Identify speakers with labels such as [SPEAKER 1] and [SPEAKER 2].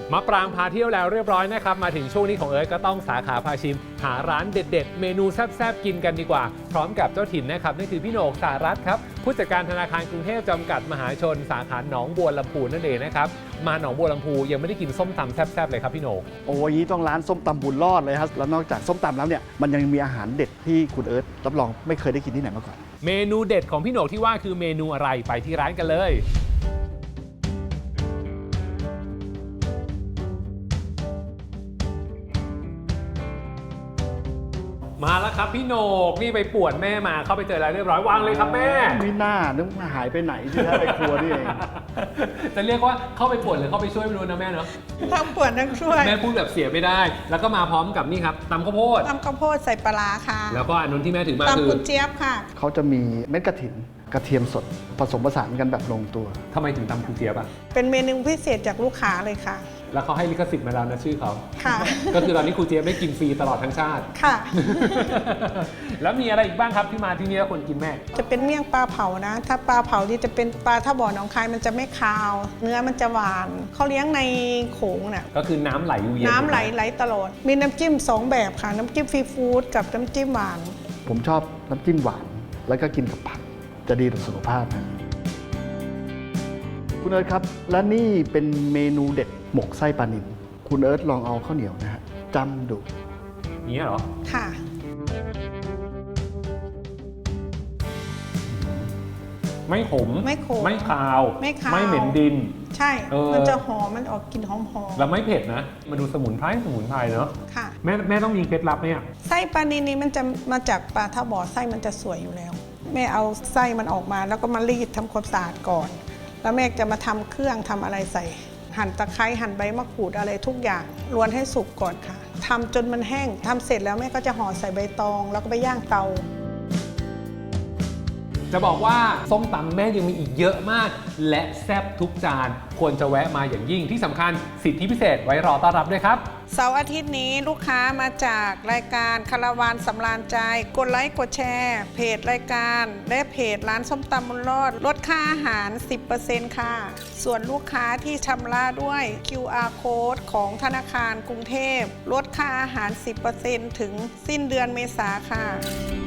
[SPEAKER 1] มะปรางพาเที่ยวแล้วเรียบร้อยนะครับมาถึงช่วงนี้ของเอิร์ธก็ต้องสาขาพาชิมหาร้านเด็ดๆเมนูแซ่บๆกินกันดีกว่าพร้อมกับเจ้าถิ่นนะครับนั่นคือพี่โหนกสารัตน์ครับผู้จัดการธนาคารกรุงเทพจำกัดมหาชนสาขาหนองบัวลำพูนั่นเองนะครับมาหนองบัวลำพูยังไม่ได้กินส้มตำแซ่บๆเลยครับพี่โหนก
[SPEAKER 2] โอ้ยนี้ต้องร้านส้มตำบุญรอดเลยครับแล้วนอกจากส้มตำแล้วเนี่ยมันยังมีอาหารเด็ดที่คุณเอิร์ธรับรองไม่เคยได้กินที่ไหนมาก่อน
[SPEAKER 1] เมนูเด็ดของพี่โหนกที่ว่าคือเมนูอะไรไปที่ร้านกันเลยมาแล้วครับพี่โหนกนี่ไปป่วนแม่มาเข้าไปเจอแล้วเรียบร้อยวางเลยครับแม่
[SPEAKER 2] ไม่น่านึกว่าหายไปไหนที่แท้ไปครัวนี่เอง
[SPEAKER 1] จะเรียกว่าเข้าไปป่วนหรือเข้าไปช่วยไม่รู้นะแม่เนาะ
[SPEAKER 3] ทั้งป่วนทั้งช่วย
[SPEAKER 1] แม่พูดแบบเสียไม่ได้ แล้วก็มาพร้อมกับนี่ครับตำข้าวโพด
[SPEAKER 3] ตำข้าวโพดใส่ปลาร้าค่ะ
[SPEAKER 1] แล้วก็อันนู้นที่แม่ถือมาคื
[SPEAKER 3] ตำ
[SPEAKER 1] อ
[SPEAKER 3] กุนเจี๊ยบค่ะ
[SPEAKER 2] เขาจะมีเม็ดกระถินกระเทียมสดผสมผสานกันแบบลงตัว
[SPEAKER 1] ทำไมถึงตำคุณเจี๊ยบอะ
[SPEAKER 3] เป็นเมนูพิเศษจากลูกค้าเลยค่ะ
[SPEAKER 1] แล้วเขาให้ลิขสิทธิ์มาแล้วนะชื่อเขา
[SPEAKER 3] ค่ะ
[SPEAKER 1] ก็คือตอนนี้ครูเจี๊ยบได้กินฟรีตลอดทั้งชาติ
[SPEAKER 3] ค่ะ
[SPEAKER 1] แล้วมีอะไรอีกบ้างครับที่มาที่นี่แล้วคนกินแม่
[SPEAKER 3] จะเป็นเมี่ยงปลาเผานะ ถ้าปลาเผาที่จะเป็นปลาท่าบ่อหนองคายมันจะไม่คาว เนื้อมันจะหวานเขาเลี้ยงในโขงน่ะ
[SPEAKER 1] ก็คือน้ำไหลอยู่เย็น
[SPEAKER 3] น้ำไหลตลอด มีน้ำจิ้ม2แบบค่ะ น้ำจิ้มซีฟู้ดกับน้ำจิ้มหวาน
[SPEAKER 2] ผมชอบน้ำจิ้มหวาน แล้วก็กินกับผักจะดีต่อสุขภาพนะคุณเอิร์ธครับ และนี่เป็นเมนูเด็ดหมกไส้ปลานิลคุณเอิร์ธลองเอาข้าวเหนียวนะฮะจ้ำดู
[SPEAKER 1] นี้เหรอ
[SPEAKER 3] ค่ะ
[SPEAKER 1] ไม่ขม
[SPEAKER 3] ไม่ขม
[SPEAKER 1] ไม่คาว
[SPEAKER 3] ไม่คาว
[SPEAKER 1] ไม่เหม็นดิน
[SPEAKER 3] ใช่ มันจะหอม มันออกกลิ่นหอม
[SPEAKER 1] แล้วไม่เผ็ดนะมาดูสมุนไพรเนอะ
[SPEAKER 3] ๆค่ะ
[SPEAKER 1] แม่ต้องมีเคล็ดลับไหมอ่ะ
[SPEAKER 3] ไส้ปลานิลนี้มันจะมาจากปลาท่าบ่อไส้มันจะสวยอยู่แล้ว แม่เอาไส้มันออกมาแล้วก็มารีดทำความสะอาดก่อน แล้วแม่จะมาทำเครื่องทำอะไรใส่ หั่นตะไคร้หั่นใบมะกรูดอะไรทุกอย่างรวนให้สุกก่อนค่ะทำจนมันแห้งทำเสร็จแล้วแม่ก็จะห่อใส่ใบตองแล้วก็ไปย่างเตา
[SPEAKER 1] จะบอกว่าส้มตำแม่ยังมีอีกเยอะมาก และแซ่บทุกจานควรจะแวะมาอย่างยิ่งที่สำคัญสิทธิพิเศษไว้รอต้อนรับด้วยครับ
[SPEAKER 3] เสาร์อาทิตย์นี้ลูกค้ามาจากรายการคาราวานสำราญใจกดไลค์กดแชร์เพจรายการและเพจร้านส้มตำบุญรอดลดค่าอาหาร 10% ค่ะ ส่วนลูกค้าที่ชำระด้วย QR Code ของธนาคารกรุงเทพลดค่าอาหาร 10% ถึงสิ้นเดือนเมษาค่ะ